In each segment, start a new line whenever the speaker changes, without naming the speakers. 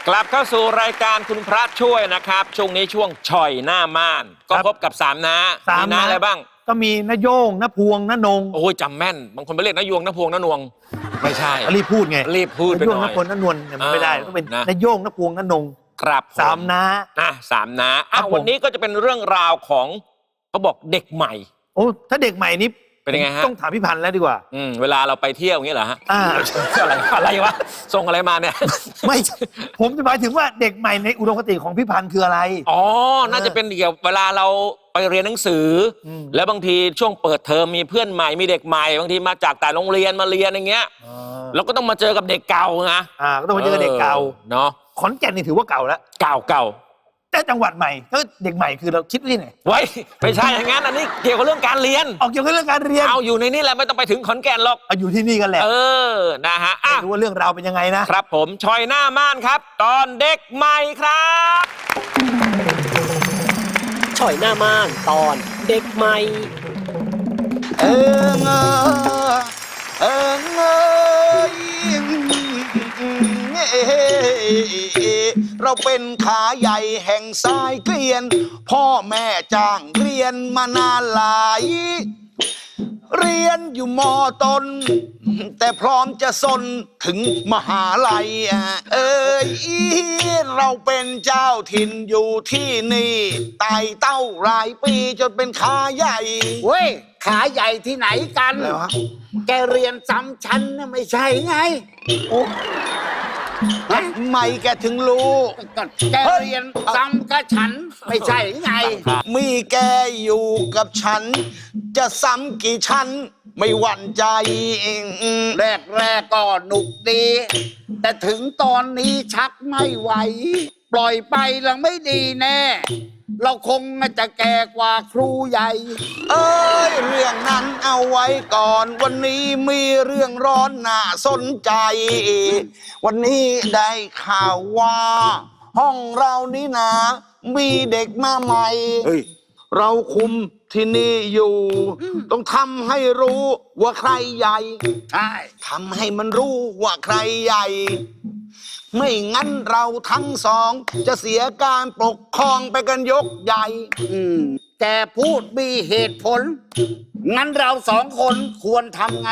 กลับเข้าสู่รายการคุณพระช่วยนะครับช่วงนี้ช่วงช่อยหน้าม่านก็พบกับ3น้ามีน้าอะไรบ้าง
ก็มีน้าโย่งน้าพวงน้านง
โอ้ยจำแม่นบางคนไปเรียกน้ายวงน้าพวงน้านวงไม่ใช่
รีบพูดไง
รีบพูดไปหน่อย
น้าโย่งน้าพวงน้านวลเนี่ยมันไม่ได้ต้องเป็นน้าโย่งน้าพวงน้านง
ครับ
3น้า
3น้าวันนี้ก็จะเป็นเรื่องราวของเขาบอกเด็กใหม่
โอ้ถ้าเด็กใหม่นี้
เป็นยังไงฮะ
ต้องถามพี่พันธ์แล้วดีกว่า
เวลาเราไปเที่ยวอย่างนี้เหรอฮะอะไรวะส่งอะไรมาเนี่ย
ไม่ผมจะหมายถึงว่าเด็กใหม่ในอุดมคติของพี่พันธ์คืออะไร
อ๋อน่าจะเป็นเกี่ยวเวลาเราไปเรียนหนังสือแล้วบางทีช่วงเปิดเทอมมีเพื่อนใหม่มีเด็กใหม่บางทีมาจากแต่โรงเรียนมาเรียนอย่างเงี้ยเราก็ต้องมาเจอกับเด็กเก่านะ
ก็ต้องมาเจอเด็กเก่า
เนาะ
ขอนแก่นนี่ถือว่าเก่าแล้ว
เก่า
แต่จังหวัดใหม่ก็เด็กใหม่คือเราคิดที่ไหน
ไว้ไม่ใช่อย่างนั้นอันนี้เกี่ยวกับเรื่องการเรียน
เกี่ยวกับเรื่องการเรียน
เอาอยู่ในนี้แหละไม่ต้องไปถึงขอนแก่นหรอก
อยู่ที่นี่กันแหละ
นะฮะ
ดูว่าเรื่องราวเป็นยังไง
นะครับผมชอยหน้าม่านครับตอนเด็กใหม่ครับ
ชอยหน้าม่านตอนเด็กใหม่
เราเป็นขาใหญ่แห่งสายเกลียนพ่อแม่จ้างเรียนมานานหลายเรียนอยู่ม.ต้นแต่พร้อมจะสนถึงมหาลัยเราเป็นเจ้าถิ่นอยู่ที่นี่ไต่เต้าหลายปีจนเป็นขาใหญ่
เว้ยขาใหญ่ที่ไหนกันแกเรียนซ้ำชั้นนะไม่ใช่ไง
ทำไมแกถึงรู้
แกเรียนซ้ำกับฉันไม่ใช่ไง
มีแกอยู่กับฉันจะซ้ำกี่ชั้นไม่หวั่นใจ
แรกก็หนุกดีแต่ถึงตอนนี้ชักไม่ไหวปล่อยไปแล้วไม่ดีแน่เราคงจะแก่กว่าครูใหญ่
เรื่องนั้นเอาไว้ก่อนวันนี้มีเรื่องร้อนน่าสนใจวันนี้ได้ข่าวว่าห้องเรานี่นะมีเด็กมาใหม่เราคุมที่นี่อยู่ต้องทำให้รู้ว่าใครใหญ่
ใช่
ทำให้มันรู้ว่าใครใหญ่ไม่งั้นเราทั้งสองจะเสียการปกครองไปกันยกใหญ่
แกพูดมีเหตุผลงั้นเรา2 คนควรทำไง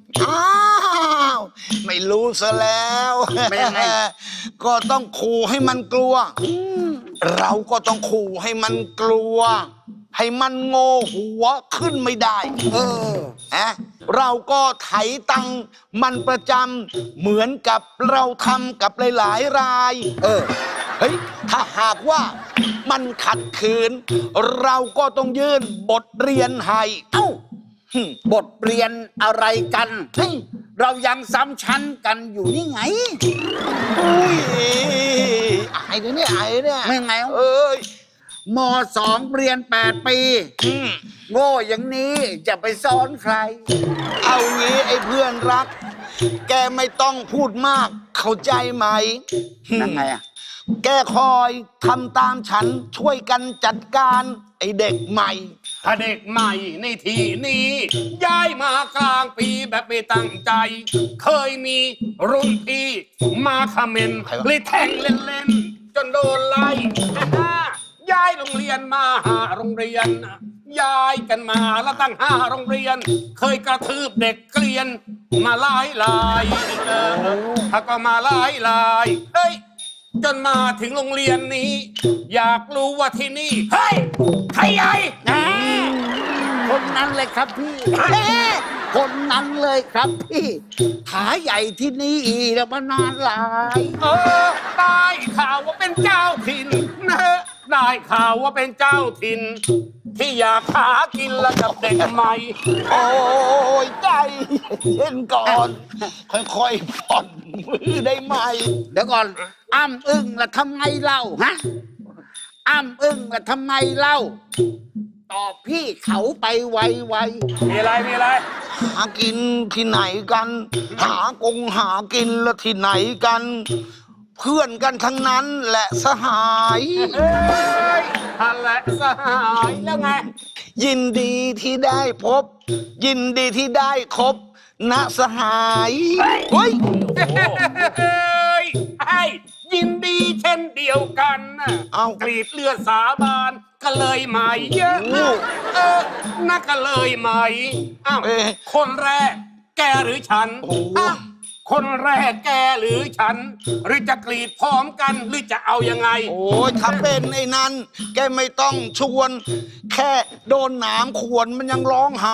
ไม่รู้ซะแล้ว
ไม่ไง
ก็ต้องขู่ให้มันกลัวเราก็ต้องขู่ให้มันกลัวให้มันโง่หัวขึ้นไม่ได้เราก็ไถตังมันประจำเหมือนกับเราทำกับหลายๆรายเฮ้ยถ้าหากว่ามันขัดขืนเราก็ต้องยื่นบทเรียนให้
บทเรียนอะไรกันเรายังซ้ำชั้นกันอยู่นี่ไง
อุ้ยอายเนี่ย
ไม่ไงม.2 เรียน8 ปีโง่อย่างนี้จะไปสอนใคร
เอางี้ไอ้เพื่อนรักแกไม่ต้องพูดมากเข้าใจไหม
นั่นไง
แกคอยทำตามฉันช่วยกันจัดการไอ้เด็กใหม่
ถ้าเด็กใหม่ในที่นี้ย้ายมากลางปีแบบไม่ตั้งใจเคยมีรุ่นพี่มาคอมเมนต์เลยแทงเล่นๆจนโดนไล่ย้ายโรงเรียนมา5 โรงเรียนย้ายกันมาแล้วตั้ง5 โรงเรียนเคยกระทืบเด็กเกลียนมาหลายถ้าก็มาหลายเฮ้ยจนมาถึงโรงเรียนนี้อยากรู้ว่าที่นี่เฮ้ยใครใหญ่
คนนั้นเลยครับพี่คนนั้นเลยครับพี่ขาใหญ่ที่นี่แล้วมานานหลาย
ได้ข่าวว่าเป็นเจ้าถิ่นนะได้ข่าวว่าเป็นเจ้าถิ่นที่อยากหากินแล้วกับเด็กใหม่
โอ้ยใจเย็นก่อนค่อยๆผ่อนมือได้ไหม
เดี๋ยวก่อนอ้ำอึ้งแล้วทำไงเล่าอ้ำอึ้งแล้วทำไงเล่าตอบพี่เขาไปไว
มีอะไร
หากินที่ไหนกันหากินแล้วที่ไหนกันเพื่อนกันทั้งนั้นแหละสหาย
และสหายแล้วไง
ยินดีที่ได้พบยินดีที่ได้คบณสหาย
เฮ้ยยินดีเช่นเดียวกันนะ
เอ้า
กรีดเลือดสาบานก็เลยไหมเยอะน่าก็เลยไหมอ้าว
เอ๊ะ
คนแรกแกหรือฉัน
โอ้โห
อ้าวคนแรกแกหรือฉัน หรือจะกรีดพร้อมกันหรือจะเอายังไง
โอ้ยถ้าเป็นไอ้นั้น แกไม่ต้องชวน แค่โดนหนามขวนมันยังร้องไห้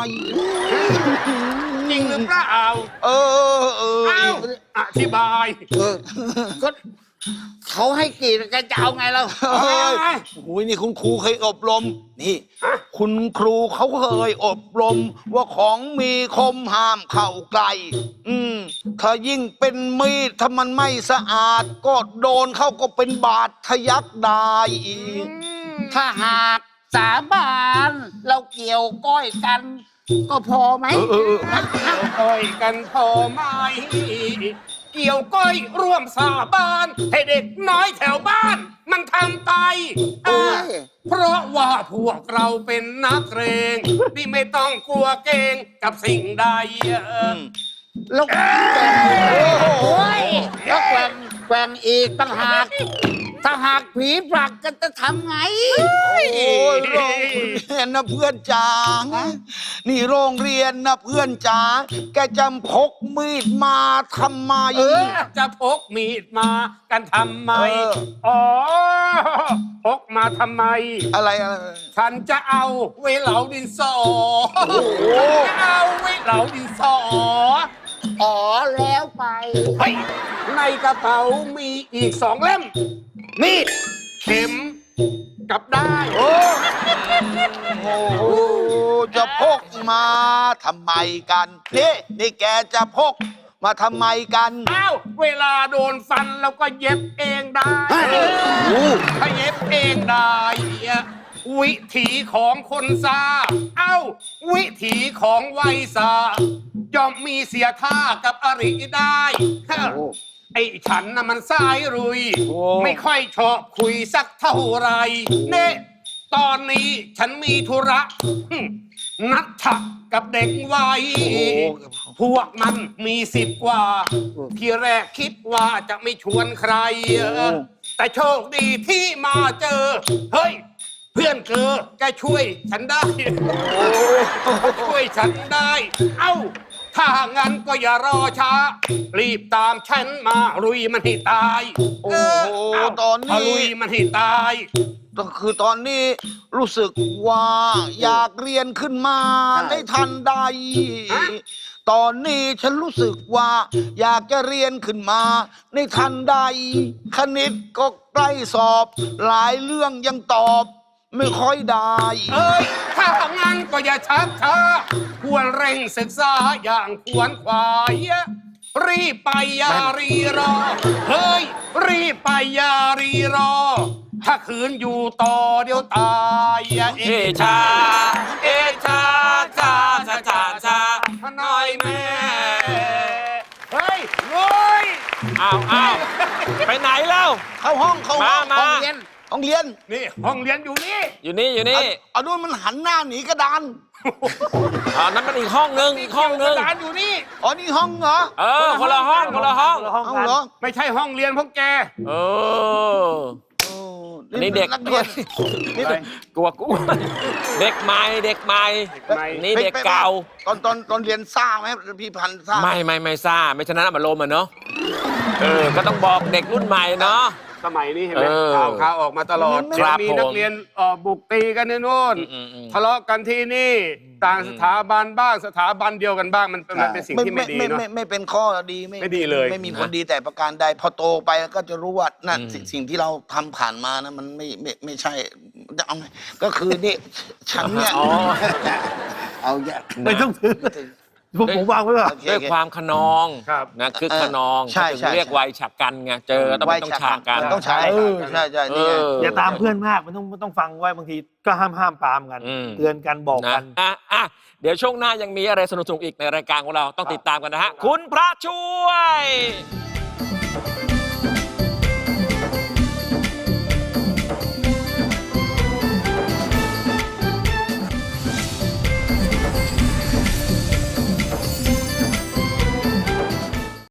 จริงหรือเปล่า
เออ
อ้าวอธิบาย
ก็เขาให้กรีดแกจะเอาไงเรา
เฮ้ยโอ้ยนี่คุณครูเคยอบรม นี่ คุณครูเขาเคยอบรม ว่าของมีคมห้ามเข้าใกล้ถ้ายิ่งเป็นมีดถ้ามันไม่สะอาด ก็โดนเข้าก็เป็นบาดทะยักได้อีก
ถ้าหากสาบานเราเกี่ยวก้อยกัน ก็พอไหม
ก้อยกันพอไหมเกี่ยวก้อยร่วมสาบานให้เด็กน้อยแถวบ้าน มันทำไป
โอ้ย
เพราะว่าพวกเราเป็นนักเรงที่ไม่ต้องกลัวเกรงกับสิ่งใด
แล้วแกว่งโอ้ยแล้วแกว่งอีกต่างหาก ถ้าหากผีผลักกันจะทำไง
โอ้ยโรงเรียนนะเพื่อนจ๋า นี่โรงเรียนนะเพื่อนจ๋า แกจำพกมีดมาทำไม
จะพกมีดมากันทำไม
เออ
อ๋อ พกมาทำไม
อะไร
ฉันจะเอาไว้เหลาดินสอฉันจะเอาไว้เหลาดินสอ
อ๋อแล้วไป
เฮ้ยในกระเป๋ามีอีก2 เล่ม มีด เข็ม กับได้าย
โอ้โหจะพกมาทำไมกันนี่แกจะพกมาทำไมกัน
อ้าว เวลาโดนฟันเราก็เย็บเองได้ถ้าเย็บเองได้วิถีของคนซาเอ้า วิถีของไวยซาย่อมมีเสียท่ากับอริได้ไอ้ฉันน่ะมันสายรุย ไม่ค่อยชอบคุยสักเท่าไหรเน่ตอนนี้ฉันมีธุระนัดฉักกับเด็กวัยพวกมันมี10 กว่า ที่แรกคิดว่าจะไม่ชวนใคร แต่โชคดีที่มาเจอ เฮ้ย เพื่อนเธอแกช่วยฉันได้ ช่วยฉันได้ เอ้า ถ้างั้นก็อย่ารอช้า รีบตามฉันมาลุยมันให้ตาย
โอ้โห
เ
ตอนนี้
ลุยมันให้ตาย
ก็คือตอนนี้รู้สึกว่าอยากเรียนขึ้นมาในทันใด ตอนนี้ฉันรู้สึกว่าอยากจะเรียนขึ้นมาในทันใด คณิตก็ใกล้สอบ หลายเรื่องยังตอบ ไม่ค่อยได้
เอ้ย ถ้างั้นก็อย่าชักช้า ควรเร่งศึกษาอย่างควรขวาย รีบไปอย่ารีรอ เฮ้ย รีบไปอย่ารีรอ ถ้าคืนอยู่ต่อเดี๋ยวตายเอ
เอชา เอชาชาชาชาชา
หน่อยแม่ เฮ้ยโว้ย
อ้าวไปไหนแล้ว
เข้าห้องเข้าห้อง
มา
ห้องเรียนห้องเรียน
นี่ห้องเรียนอยู่นี่
อยู่นี่อยู่นี่
เอาด้วยมันหันหน้าหนีกระดาน
นั่นมันอีกห้องนึงอีกห้องนึง
ร้านอยู่นี่
อ๋อนี่ห้องเหรอ
คนละห้องคนละห้อง
เอาเหรอ
ไม่ใช่ห้องเรียนพวกแก
เออ อันนี้เด็ก
นักเรียนนี่เด็ก
กลัวเด็กใหม่เด็กใหม่นี่เด็กเก่า
ตอนเรียนซ่าไหมพี่พันธุ์ซ่า
ไม่ซ่าไม่ฉะนั้นอารมณ์อ่ะเนาะก็ต้องบอกเด็กรุ่นใหม่เนาะ
สมัยนี้เห็นไหม ข่าวออกมาตลอด
ครับ
มีนักเรียนบุกตีกันในโน่น ทะเลาะกันที่นี่ ต่างสถาบันบ้างสถาบันเดียวกันบ้างมันเป็นสิ่งที่ไม่ดีเนาะ
ไม่เป็นข้อดี
ไม่ดีเลย
ไม่มีผลดีแต่ประการใดพอโตไปก็จะรู้ว่านั่นสิ่งที่เราทำผ่านมานะมันไม่ใช่จะเอาไงก็คือนี่ฉันเนี่ย
เอาแยะ
ไม่ต้องถือผมวางไว้ก่อน
โอเค
ด้วยความขนอง
ครับ
นะคือขนอง
ใช่
ถึง
ใช่
เรียกวัยฉากกันไงเจอต้องไม่ต้องฉากกัน
มันต้องใช้ใช่นี่ไง
อย่าตามเพื่อนมากมันต้องฟังไว้บางทีก็ห้ามปรามกัน เตือนกันบอกกัน
เดี๋ยวช่วงหน้ายังมีอะไรสนุกๆอีกในรายการของเราต้องติดตามกันนะฮะคุณพระช่วย